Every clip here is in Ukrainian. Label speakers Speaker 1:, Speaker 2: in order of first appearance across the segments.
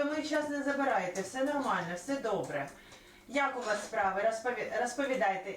Speaker 1: мій час не забирайте, все нормально, все добре. Як у вас справи? Розповідайте.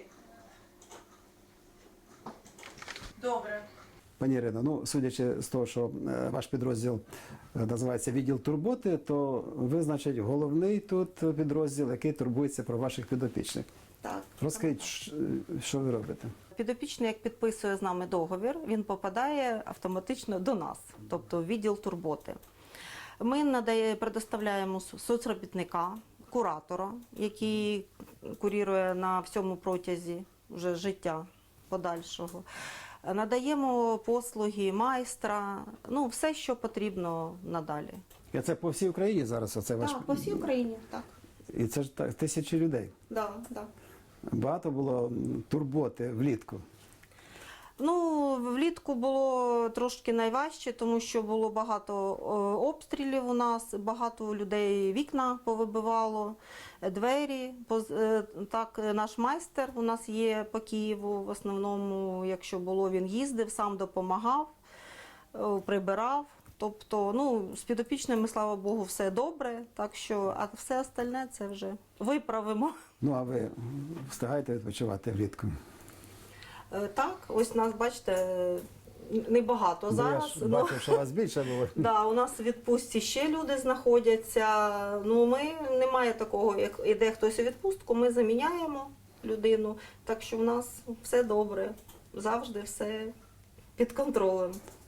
Speaker 1: Добре.
Speaker 2: Пані Ірино, ну, судячи з того, що ваш підрозділ називається «Відділ турботи», то ви, значить, головний тут підрозділ, який турбується про ваших підопічних.
Speaker 3: Так.
Speaker 2: Розкажіть, що ви робите?
Speaker 3: Підопічний, як підписує з нами договір, він попадає автоматично до нас, тобто в відділ турботи. Ми предоставляємо соцробітника, куратора, який курірує на всьому протязі вже життя подальшого. Надаємо послуги майстра, ну, все, що потрібно надалі.
Speaker 2: І це по всій Україні зараз? Оце ваш...
Speaker 3: Так, по всій Україні, так.
Speaker 2: І це ж так, тисячі людей.
Speaker 3: Да, да.
Speaker 2: Багато було турботи влітку.
Speaker 3: Ну, влітку було трошки найважче, тому що було багато обстрілів у нас, багато людей вікна повибивало, двері. Так, наш майстер у нас є по Києву, в основному, якщо було, він їздив, сам допомагав, прибирав. Тобто, ну, з підопічними, слава Богу, все добре, так що, а все остальне це вже виправимо.
Speaker 2: Ну, а ви встигаєте відпочивати влітку?
Speaker 3: Так, ось нас, бачите, небагато
Speaker 2: Бо
Speaker 3: зараз.
Speaker 2: я ж бачив, що вас більше було.
Speaker 3: Да, у нас у відпустці ще люди знаходяться. Ну, немає такого, як іде хтось у відпустку, ми заміняємо людину. Так що в нас все добре, завжди все під контролем.